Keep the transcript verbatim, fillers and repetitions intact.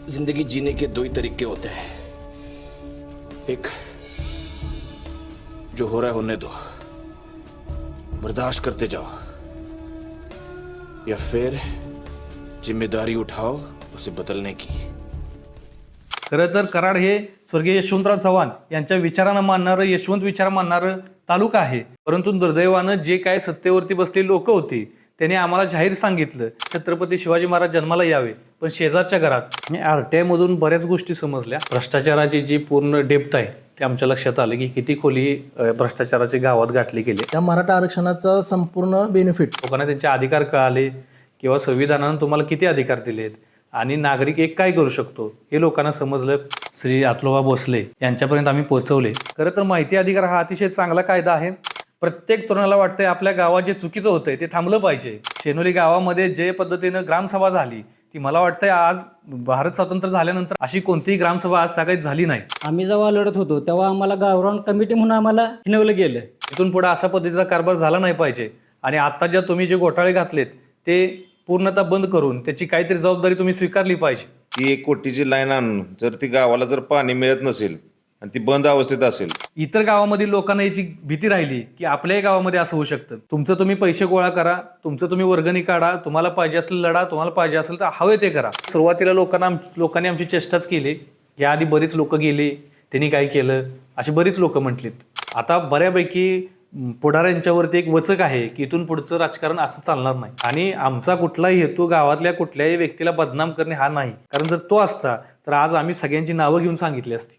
जिंदगी जीने के दो ही तरीके होते हैं, एक जो हो रहा है होने दो, बर्दाश्त करते जाओ, या फिर जिम्मेदारी उठाओ उसे बदलने की। खरं तर कराड हे स्वर्गीय यशवंतराव चव्हाण यांच्या विचारांना मानणारं, यशवंत विचार मानणारं तालुका आहे. परंतु दुर्दैवानं जे काय सत्तेवरती बसलेली लोक होती त्यांनी आम्हाला जाहीर सांगितलं छत्रपती शिवाजी महाराज जन्माला यावे, पण शेजारच्या घरात आरटीआय मधून बऱ्याच गोष्टी समजल्या. भ्रष्टाचाराची जी पूर्ण डेप्थ आहे ते आमच्या लक्षात आलं की किती खोली अ, भ्रष्टाचाराचे गावात गाठले गेले. त्या मराठा आरक्षणाचा संपूर्ण बेनिफिट लोकांना त्यांचे अधिकार कळाले किंवा संविधानानं तुम्हाला किती अधिकार दिलेत आणि नागरिक एक काय करू शकतो हे लोकांना समजलं. श्री अतुलबा भोसले यांच्यापर्यंत आम्ही पोहोचवले. खरं तर माहिती अधिकार हा अतिशय चांगला कायदा आहे. प्रत्येक तरुणाला वाटतंय आपल्या गावात जे चुकीचं होतंय ते थांबलं पाहिजे. शेनोली गावामध्ये जे पद्धतीनं ग्रामसभा झाली ती मला वाटतंय आज भारत स्वतंत्र झाल्यानंतर अशी कोणतीही ग्रामसभा आज सगळ्यात झाली नाही. आम्ही जेव्हा लढत होतो तेव्हा आम्हाला गावरान कमिटी म्हणून आम्हाला हिनवलं गेलं. इथून पुढे असा पद्धतीचा कारभार झाला नाही पाहिजे आणि आता ज्या तुम्ही जे घोटाळे घातलेत ते पूर्णतः बंद करून त्याची काहीतरी जबाबदारी तुम्ही स्वीकारली पाहिजे. ती एक कोटीची लाईन आणून जर ती गावाला जर पाणी मिळत नसेल आणि ती बंद अवस्थेत असेल, इतर गावामधील लोकांना याची भीती राहिली की आपल्याही गावामध्ये असं होऊ शकतं. तुमचं तुम्ही पैसे गोळा करा, तुमचं तुम्ही वर्गणी काढा, तुम्हाला पाहिजे असेल लढा, तुम्हाला पाहिजे असेल तर हवे ते करा. सुरुवातीला लोकांना लोकांनी आमची चेष्टाच केली. याआधी बरीच लोक गेली, त्यांनी काय केलं अशी बरीच लोक म्हटलीत. आता बऱ्यापैकी पुढाऱ्यांच्यावरती एक वचक आहे की इथून पुढचं राजकारण असं चालणार नाही आणि आमचा कुठलाही हेतू गावातल्या कुठल्याही व्यक्तीला बदनाम करणे हा नाही. कारण जर तो असता तर आज आम्ही सगळ्यांची नावं घेऊन सांगितली असती.